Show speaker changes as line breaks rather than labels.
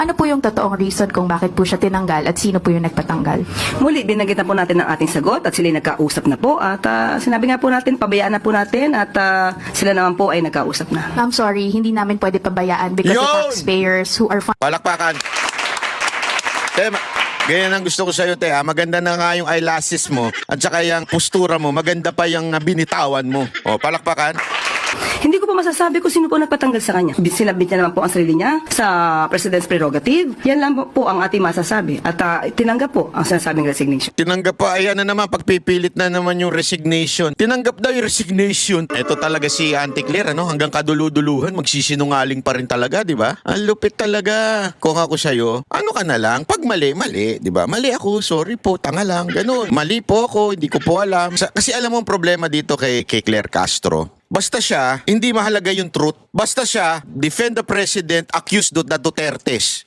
Ano po yung totoong reason kung bakit po siya tinanggal at sino po yung nagpatanggal?
Muli, binanggit na po natin ang ating sagot at sila nagkausap na po at sinabi nga po natin, pabayaan na po natin at sila naman po ay nagkausap na.
Ma'am, sorry, hindi namin pwede pabayaan because the
Yun!
taxpayers who are
Palakpakan. Te, ganyan ang gusto ko sa'yo, te. Maganda na nga yung eyelashes mo at saka yung postura mo. Maganda pa yung binitawan mo. O, palakpakan.
Hindi ko po masasabi kung sino po nagpatanggal sa kanya. Sinabit niya naman po ang sarili niya sa President's prerogative. Yan lang po ang ating masasabi. At tinanggap po ang sinasabing resignation.
Tinanggap pa, ayan na naman, pagpipilit na naman yung resignation. Tinanggap daw yung resignation. Ito talaga si Auntie Claire, ano? Hanggang kaduluduluhan, magsisinungaling pa rin talaga, di ba? Ang lupit talaga. Kung ako sa'yo, ano ka na lang? Pag mali, mali, di ba? Mali ako, sorry po, tanga lang, ganun. Mali po ako, hindi ko po alam. Kasi alam mo ang problema dito kay Claire Castro. Basta siya, hindi mahalaga yung truth. Basta siya, defend the president, accuse na Dutertes.